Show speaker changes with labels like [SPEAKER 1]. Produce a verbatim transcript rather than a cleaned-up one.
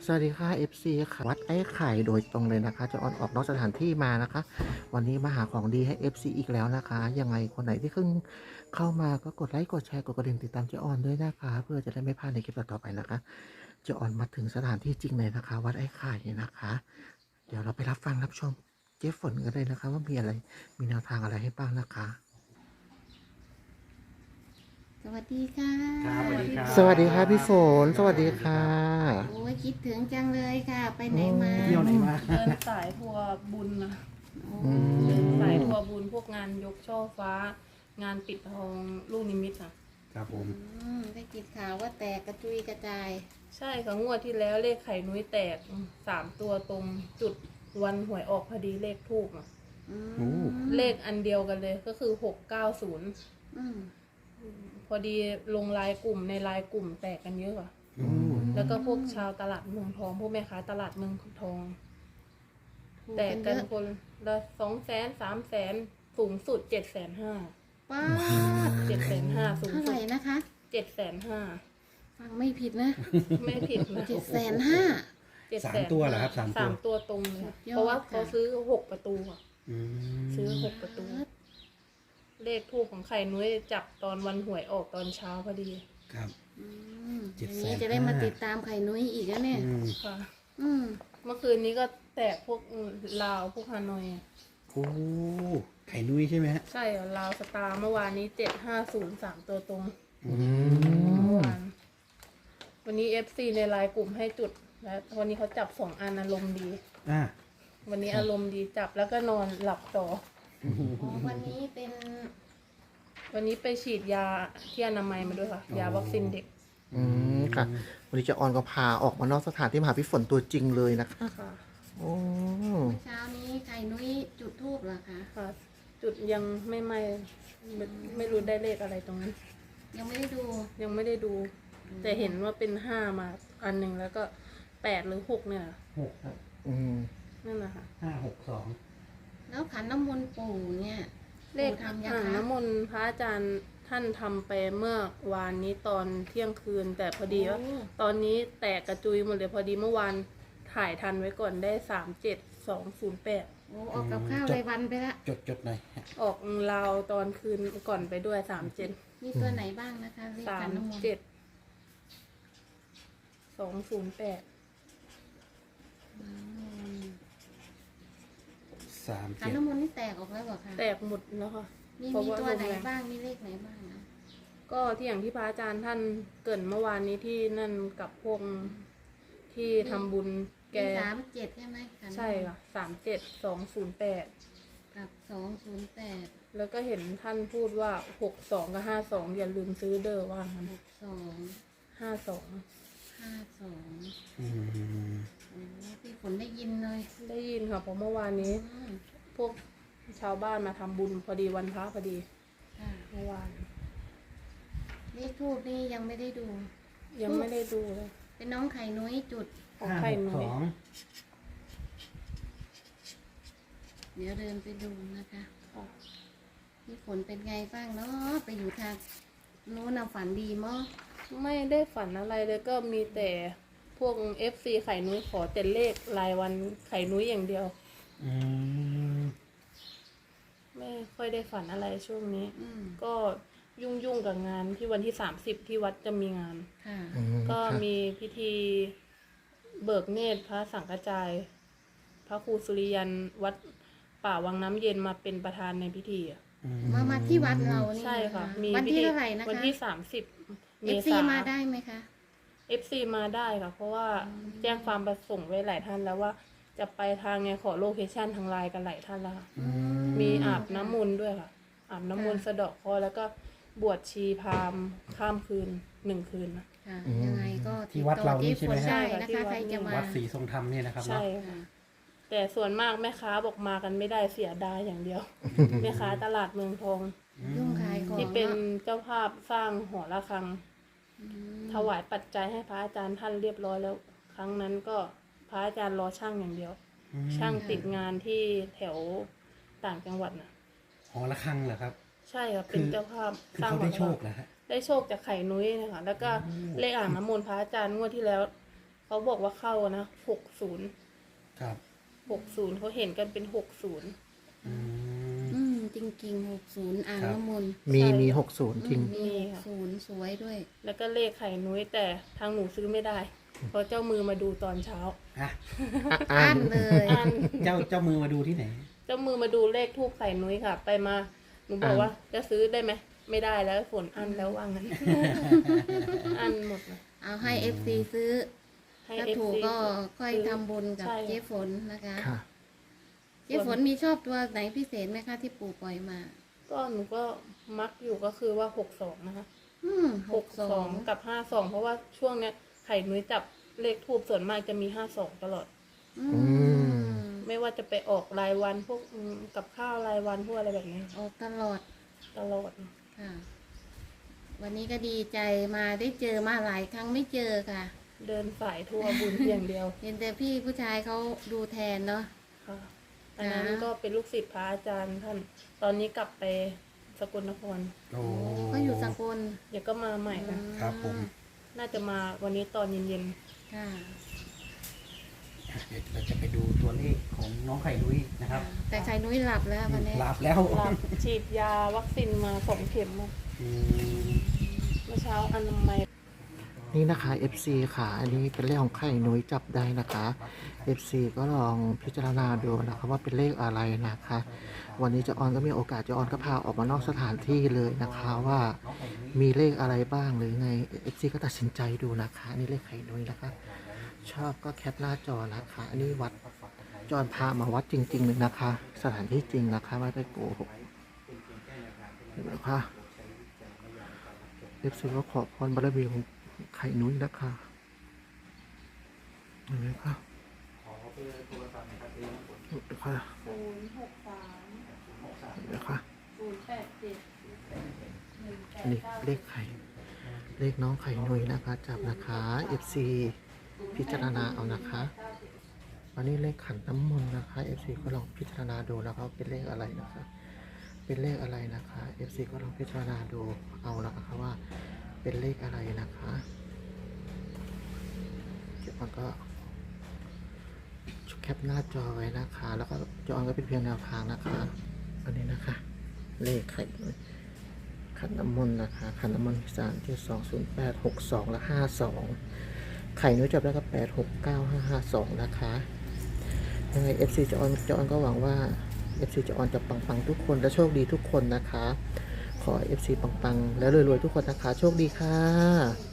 [SPEAKER 1] สวัสดีค่ะ เอฟ ซี ค่ะวัดไอ้ไข่โดยตรงเลยนะคะจะออนออกนอกสถานที่มานะคะ วันนี้มาหาของดีให้ เอฟ ซี อีกแล้วนะคะยังไงคนไหนที่เพิ่งเข้ามาก็กดไลค์กดแชร์กดกระดิ่งติดตามเจออนด้วยนะคะเพื่อจะได้ไม่พลาดในคลิปต่อๆไปนะคะเจออนมาถึงสถานที่จริงเลยนะคะ วัดไอ้ไข่นะคะ เดี๋ยวเราไปรับฟังรับชมเจ๊ฝนกันเลยนะคะ ว่ามีอะไรมีแนวทางอะไรให้บ้างนะคะ
[SPEAKER 2] สวัสดีค่ะ
[SPEAKER 3] ครับสวัสดีครับ
[SPEAKER 1] สวัสดีค่ะพี่ฝนสวัสดีค่ะ
[SPEAKER 2] โอ้ยคิดถึงจังเลยค่ะ ไปไหนมา
[SPEAKER 3] เที่ยวไหนมา
[SPEAKER 4] เดินสายทัวร์บุญนะ
[SPEAKER 2] โอ้
[SPEAKER 1] อืม
[SPEAKER 4] เดินสายทัวร์บุญพวกงานยกช่อฟ้า งานปิดทองลูกนิมิตค่ะ
[SPEAKER 3] ครับผม
[SPEAKER 2] อืมได้กินข่าวว่าแตกกระจุยกระจาย
[SPEAKER 4] ใช่ค่ะงวดที่แล้วเลขไข่นุ้ยแตกสามตัวตรงจุดวันหวยออกพอดีเลขทูบอ่ะ
[SPEAKER 2] อืม
[SPEAKER 3] โอ้
[SPEAKER 4] เลขอันเดียวกันเลยก็คือหกเก้าศูนย์
[SPEAKER 2] อืม
[SPEAKER 4] พอดีลงไลายกลุ่มในไลายกลุ่มแตกกันเยอะค่ะ
[SPEAKER 3] อืม
[SPEAKER 4] แล้วก็พวกชาวตลาดเมืองทองพวกแม่ค้าตลาดเมืองทอง
[SPEAKER 2] ถูก
[SPEAKER 4] แตก
[SPEAKER 2] กันเย
[SPEAKER 4] กัน
[SPEAKER 2] อะ
[SPEAKER 4] คนละสองแสนสามแสนสูงสุดเจ็ดแสนห้า
[SPEAKER 2] ป้าด
[SPEAKER 4] เจ็ดแสนห้าสูง
[SPEAKER 2] เท่าไห
[SPEAKER 4] สุ
[SPEAKER 2] ร่
[SPEAKER 4] ด
[SPEAKER 2] นะคะ
[SPEAKER 4] เจ็ดแสนห้า
[SPEAKER 2] ฟังไม่ผิดนะ
[SPEAKER 4] ไม่ผิดนะ
[SPEAKER 2] เจ็ดแสนห้า
[SPEAKER 4] เจ็ด
[SPEAKER 3] สา
[SPEAKER 4] แส
[SPEAKER 3] ม
[SPEAKER 4] น
[SPEAKER 3] ตัวเหรอครับสามตัว
[SPEAKER 4] สามตัวตรงเลย
[SPEAKER 2] สุดยอด
[SPEAKER 4] เพราะว่า
[SPEAKER 2] ค่ะ
[SPEAKER 4] เขาซื้อหกประตูอะ
[SPEAKER 3] อืม
[SPEAKER 4] ซื้อหกประตู เลขทูปของไข่นุ้ยจับตอนวันหวยออกตอนเช้าพอดี
[SPEAKER 3] ครับ
[SPEAKER 2] อืม
[SPEAKER 3] เจ็
[SPEAKER 2] อ
[SPEAKER 3] ด
[SPEAKER 2] ย่าง
[SPEAKER 3] แสน
[SPEAKER 2] นี้จะได้มา
[SPEAKER 3] ห้า
[SPEAKER 2] ติดตามไข่นุ้ยอีกแล้วเนี่ย
[SPEAKER 3] อืม
[SPEAKER 4] ค่ะ
[SPEAKER 2] อืม
[SPEAKER 4] เมื่อคืนนี้ก็แตกพวกลาวพวกฮานอยอะ
[SPEAKER 3] โอ้ไข่นุ้ยใช่ไหมฮะ
[SPEAKER 4] ใช่อะลาวสตาร์เมื่อวานนี้เจ็ดห้าศูนย์สามตัวตรง
[SPEAKER 3] อืม
[SPEAKER 4] เมื่อวานวันนี้เอฟซีในไลน์กลุ่มให้จุด แล้ววันนี้เขาจับสองอันอารมณ์ดี
[SPEAKER 3] อ่า
[SPEAKER 4] วันนี้อารมณ์ดีจับแล้วก็นอนหลับต่อ
[SPEAKER 2] อ๋อวันนี้เป็น
[SPEAKER 4] วันนี้ไปฉีดยาที่อนามัยมาด้วยค่ะ ยาวัคซีนเด็ก
[SPEAKER 1] อืมค่ะ วันนี้เจะออนก็พาออกมานอกสถานที่มาหาพี่ฝนตัวจริงเลยนะคะ
[SPEAKER 4] ค่ะ
[SPEAKER 1] โอ้
[SPEAKER 2] เมื่อเช้านี้ไข่นุ้ยจุดทูบเหรอคะ
[SPEAKER 4] ค่ะ จุดยังไม่ไม่ไม่ไม่รู้ได้เลขอะไรตรงนี้
[SPEAKER 2] ยังไม่ได้ดู
[SPEAKER 4] ยังไม่ได้ดู แต่เห็นว่าเป็นห้ามาอันหนึ่งแล้วก็แปดหรือหกเนี่ย
[SPEAKER 3] หกครับ
[SPEAKER 1] อืม
[SPEAKER 4] นั่นนะคะ
[SPEAKER 3] ห้าหกสอง
[SPEAKER 2] แล้วขันน้ำมนต์ปู่เนี่ย
[SPEAKER 4] เลข
[SPEAKER 2] ปู่ทำยัง
[SPEAKER 4] อ่าง
[SPEAKER 2] คะ
[SPEAKER 4] น้ำมนต์พระอาจารย์ท่านทำไปเมื่อวานนี้ตอนเที่ยงคืน แต่พอดีว่า
[SPEAKER 2] โอ้
[SPEAKER 4] ตอนนี้แตกกระจุยหมดเลยพอดีเมื่อวานถ่ายทันไว้ก่อนได้สามเจ็ดสองศูนย์แปด
[SPEAKER 2] โอ้ออกกับข้าวรายวันไปละ
[SPEAKER 3] จดจดหน่อยฮะ
[SPEAKER 4] ออกลาวตอนคืนก่อนไปด้วยสามเจ็ด
[SPEAKER 2] มีตัวไหนบ้างนะคะเลข
[SPEAKER 4] สา
[SPEAKER 2] ขั
[SPEAKER 4] ม
[SPEAKER 2] นน้ำมนต์
[SPEAKER 4] เจ็ดสองศูนย์แปด
[SPEAKER 2] อืม
[SPEAKER 3] สาม
[SPEAKER 2] ขัน
[SPEAKER 3] เจ็ด
[SPEAKER 2] น้ำมนต์นี่แตกออกแล้วเหรอคะ
[SPEAKER 4] แตกหมดแล้วค่ะ
[SPEAKER 2] มี
[SPEAKER 4] เพราะ
[SPEAKER 2] มี
[SPEAKER 4] ว่า
[SPEAKER 2] ตัวไหน
[SPEAKER 4] ลงแรง
[SPEAKER 2] บ้างมีเลขไหนบ้างนะ
[SPEAKER 4] ก็ที่อย่างที่พระอาจารย์ท่านเกรินเมื่อวานนี้ที่นั่นกับพวกที่ทำบุญแก
[SPEAKER 2] มีสามเจ็ดใช่ไหมขันน้ำมนต์
[SPEAKER 4] ใช่ค่ะสามเจ็ดสองศูนย์แปด
[SPEAKER 2] กับสองศูนย์แปด
[SPEAKER 4] แล้วก็เห็นท่านพูดว่าหกสองกับห้าสองอย่าลืมซื้อเด้อว่างั้น
[SPEAKER 2] หกสอง
[SPEAKER 4] ห้าสอง
[SPEAKER 2] ห้าสอง
[SPEAKER 3] อืม
[SPEAKER 2] โอ้พี่ฝนได้ยินเลย
[SPEAKER 4] ได้ยินค่ะเพราะเมื่อวานนี้
[SPEAKER 2] อืม
[SPEAKER 4] พวกชาวบ้านมาทำบุญพอดีวันพระพอดี
[SPEAKER 2] ค่ะ
[SPEAKER 4] เมื่อวาน
[SPEAKER 2] เลขทูบนี่ยังไม่ได้ดู
[SPEAKER 4] ยังไม่ได้ดูเลย
[SPEAKER 2] เป็นน้องไข่นุ้ยจุด
[SPEAKER 4] ของ
[SPEAKER 3] ห้า
[SPEAKER 4] ไข่
[SPEAKER 3] หก
[SPEAKER 4] นุ้
[SPEAKER 3] ส
[SPEAKER 4] ย
[SPEAKER 3] อง
[SPEAKER 2] เดี๋ยวเดินไปดูนะคะ
[SPEAKER 4] ค่ะ
[SPEAKER 2] พี่ฝนเป็นไงบ้างเนาะไปอยู่ทางโน้นน่ะฝันดีมั้ง
[SPEAKER 4] ไม่ได้ฝันอะไรเลยก็มีแต่พวก เอฟ ซี ไข่นุ้ยขอแต่เลขรายวันไข่นุ้ยอย่างเดียว
[SPEAKER 3] อืม
[SPEAKER 4] ไม่ค่อยได้ฝันอะไรช่วงนี้
[SPEAKER 2] อืม
[SPEAKER 4] ก็ยุ่งยุ่งๆกับงานที่วันที่สามสิบที่วัดจะมีงาน
[SPEAKER 2] ค่ะ
[SPEAKER 1] อืม
[SPEAKER 4] ก็
[SPEAKER 1] ค่ะ
[SPEAKER 4] มีพิธีเบิกเนตรพระสังฆจาย พระครูสุริยันวัดป่าวังน้ำเย็นมาเป็นประธานในพิธีอะ
[SPEAKER 3] อืม
[SPEAKER 2] มามาที่วัดเรานี่
[SPEAKER 4] ใช่ค่ะ
[SPEAKER 2] น
[SPEAKER 4] มี
[SPEAKER 2] วัน
[SPEAKER 4] พิ
[SPEAKER 2] ที่
[SPEAKER 4] ธี
[SPEAKER 2] เท่าไหร่นะคะ
[SPEAKER 4] วันที่สามสิบเม
[SPEAKER 2] เอฟซี
[SPEAKER 4] ษา
[SPEAKER 2] มาได้ไหมคะ
[SPEAKER 4] เอฟซีมาได้ค่ะ เพราะว่าแจ้งความประสงค์ไว้หลายท่านแล้วว่าจะไปทางไงขอโลเคชั่นทางไลน์กันหลายท่านแล้วค่ะ
[SPEAKER 3] อืม
[SPEAKER 4] มีอาบน้ำมนต์ด้วยค่ะ อาบน้ำมนต์
[SPEAKER 2] ค่ะ
[SPEAKER 4] สะเดาะเคราะห์แล้วก็บวชชีพราหมณ์ข้ามคืนหนึ่งคืนนะ
[SPEAKER 2] ค่ะ
[SPEAKER 1] อืม
[SPEAKER 2] ยังไงก็
[SPEAKER 3] ที่วัดเรานี่ใช่ไหม
[SPEAKER 2] ติดต่อ
[SPEAKER 3] ฮะ
[SPEAKER 2] เจ๊ฝนได้นะคะ ใครจะมา
[SPEAKER 3] วัดศรีทรงธรรมเนี่ยนะครับ
[SPEAKER 4] ใช่
[SPEAKER 3] เนาะ
[SPEAKER 4] ค่ะ
[SPEAKER 2] ค่ะ
[SPEAKER 4] แต่ส่วนมากแม่ค้าบอกมากันไม่ได้เสียดายอย่างเดียว แม่ค้าตลาดเมืองทอง
[SPEAKER 2] ยุ่งขายของ
[SPEAKER 4] ที่เป็น
[SPEAKER 2] อะ
[SPEAKER 4] เจ้าภาพสร้างหอระฆัง
[SPEAKER 2] อืม
[SPEAKER 4] ถวายปัจจัยให้พระอาจารย์ท่านเรียบร้อยแล้ว ครั้งนั้นก็พระอาจารย์รอช่างอย่างเดียว
[SPEAKER 3] อืม
[SPEAKER 4] ช่างติดงานที่แถวต่างจังหวัดนะ
[SPEAKER 3] หอระฆังเหรอครับ
[SPEAKER 4] ใช่ค่ะเป็นเจ้าภาพ
[SPEAKER 3] คือ
[SPEAKER 4] สร้าง
[SPEAKER 3] เขา
[SPEAKER 4] หอ
[SPEAKER 3] ได้
[SPEAKER 4] ระ
[SPEAKER 3] โช
[SPEAKER 4] ฆั
[SPEAKER 3] ค
[SPEAKER 4] ง
[SPEAKER 3] เหรอฮะ
[SPEAKER 4] ได้โชคจากไข่นุ้ยนะคะแล้วก็เลขอ่างน้ำมนต์พระอาจารย์งวดที่แล้วเขาบอกว่าเข้านะหกศูนย์
[SPEAKER 3] ครับ
[SPEAKER 4] หกศูนย์เขาเห็นกันเป็นหกศูนย์
[SPEAKER 3] อืม
[SPEAKER 2] อืมจริงๆหกศูนย์อ่าง
[SPEAKER 3] ครับ
[SPEAKER 2] น้ำมนต์
[SPEAKER 1] มี
[SPEAKER 4] ใช่
[SPEAKER 1] มีหกศูนย์จริง
[SPEAKER 2] อืมมีหกศูนย์สวยด้วย
[SPEAKER 4] แล้วก็เลขไข่นุ้ยแต่ทางหนูซื้อไม่ได้ เพราะเจ้ามือมาดูตอนเช้า
[SPEAKER 3] อ่ะ
[SPEAKER 1] อ่ะอ่า
[SPEAKER 2] อั้
[SPEAKER 1] น
[SPEAKER 2] นเลย
[SPEAKER 4] อัน
[SPEAKER 3] เจ้าเจ้ามือมาดูที่ไหน
[SPEAKER 4] เจ้ามือมาดูเลขทูบไข่นุ้ยค่ะ ไปมาหนูบอกว่าจะซื้อได้ไหมไม่ได้แล้วฝนอันแล้วว่างั้น อันหมดเลย
[SPEAKER 2] เอาให้เอฟซีซื้อ
[SPEAKER 4] ให้
[SPEAKER 2] ถ้า
[SPEAKER 4] เอฟ
[SPEAKER 2] ถูก
[SPEAKER 4] ซี
[SPEAKER 2] ก็ค่อยทำบุญกับ
[SPEAKER 4] ใช่
[SPEAKER 2] เจ๊ฝนนะคะ
[SPEAKER 1] ค่ะ
[SPEAKER 2] เจ๊ฝนมีชอบตัวไหนพิเศษไหมคะที่ปู่ปล่อยมา
[SPEAKER 4] ก็หนูก็มักอยู่ก็คือว่าหกสองนะคะ
[SPEAKER 2] อืมห
[SPEAKER 4] ห
[SPEAKER 2] ก
[SPEAKER 4] ก
[SPEAKER 2] ส
[SPEAKER 4] ส
[SPEAKER 2] อ
[SPEAKER 4] อง งกับห้าสองเพราะว่าช่วงเนี้ยไข่นุ้ยจับเลขทูบส่วนมากจะมีห้าสองตลอด
[SPEAKER 2] อื
[SPEAKER 1] อื
[SPEAKER 2] ม
[SPEAKER 4] ไม่ว่าจะไปออกรายวันพวกอืมกับข้าวรายวันพวกอะไรแบบนี้
[SPEAKER 2] ออกตลอด
[SPEAKER 4] ตลอด
[SPEAKER 2] ค่ะ วันนี้ก็ดีใจมาได้เจอมาหลายครั้งไม่เจอค่ะ
[SPEAKER 4] เดินสายทั่วบุญอย่างเดียว
[SPEAKER 2] เห็นแต่พี่ผู้ชายเขาดูแทนเนาะ
[SPEAKER 4] ค่ะอันนั้นก็เป็นลูกศิษย์พระอาจารย์ท่าน ตอนนี้กลับไปสกลนคร
[SPEAKER 3] โอ้
[SPEAKER 2] ก็อยู่สกล
[SPEAKER 4] เดี๋ยวก็มาใหม่ค่ะ
[SPEAKER 3] ครับผม
[SPEAKER 4] น่าจะมาวันนี้ตอนเย็น
[SPEAKER 2] ค่ะ
[SPEAKER 3] เดี๋ยวเราจะไปดูตัวเลขของน้องไข่นุ้ยนะครับ
[SPEAKER 2] แต่ชายนุ้ยหลับแล้ววันนี้
[SPEAKER 3] หลับแล้ว
[SPEAKER 4] ๆรับฉีดยาวัคซีนมาสองเข็มมา
[SPEAKER 3] อืม
[SPEAKER 4] เมื่อเช้าอนามัย
[SPEAKER 1] นี่นะคะ เอฟ ซี ค่ะ อันนี้เป็นเลขของไข่นุ้ยจับได้นะคะ เอฟ ซี ก็ลองพิจารณาดูนะคะว่าเป็นเลขอะไรนะคะ วันนี้เจะออนก็มีโอกาสเจะออนก็พาออกมานอกสถานที่เลยนะคะว่ามีเลขอะไรบ้างหรือไง เอฟ ซี ก็ตัดสินใจดูนะคะอันนี่เลขไข่นุ้ยนะคะ ชอบก็แคปหน้าจอนะคะ อันนี้วัดจอนพามาวัดจริงๆเลยนะคะ สถานที่จริงนะคะไม่ได้โกหกเห็นไหมคะ เอฟ ซี ก็ขอพรบารมีของไข่นุ้ยนะคะเห็นไหมคะเห็นไหมคะ
[SPEAKER 4] ศูนย์หกสาม
[SPEAKER 1] เห็นไหมคะ
[SPEAKER 4] ศูนย์แปดเจ็ดหนึ่งแปด
[SPEAKER 1] นี่
[SPEAKER 4] เก้า
[SPEAKER 1] เลขไข่เลขน้องไข่นุ้ยนะคะจับนะคะ เอฟ ซี พิจารณาเอานะคะอันนี้เลขขันน้ำมนต์นะคะ เอฟ ซี ก็ลองพิจารณาดูนะคะว่าเป็นเลขอะไรนะคะ เป็นเลขอะไรนะคะ เอฟ ซี ก็ลองพิจารณาดูเอานะคะว่าเป็นเลขอะไรนะคะเดี๋ยวมันก็แคปหน้าจอไว้นะคะ แล้วก็จอก็เป็นเพียงแนวทางนะคะ อันนี้นะคะ เลขไข่ขันน้ำมนต์นะคะขันน้ำมนต์สามเจ็ดสองศูนย์แปดหกสองและห้าสองไข่นุ้ยจับได้ก็แปดหกเก้าห้าห้าสองนะคะยังไง เอฟ ซี จออนจออนก็หวังว่า เอฟ ซี จออนจะปังๆทุกคนและโชคดีทุกคนนะคะ ขอ เอฟ ซี ปังๆ และรวยๆทุกคนนะคะ โชคดีค่ะ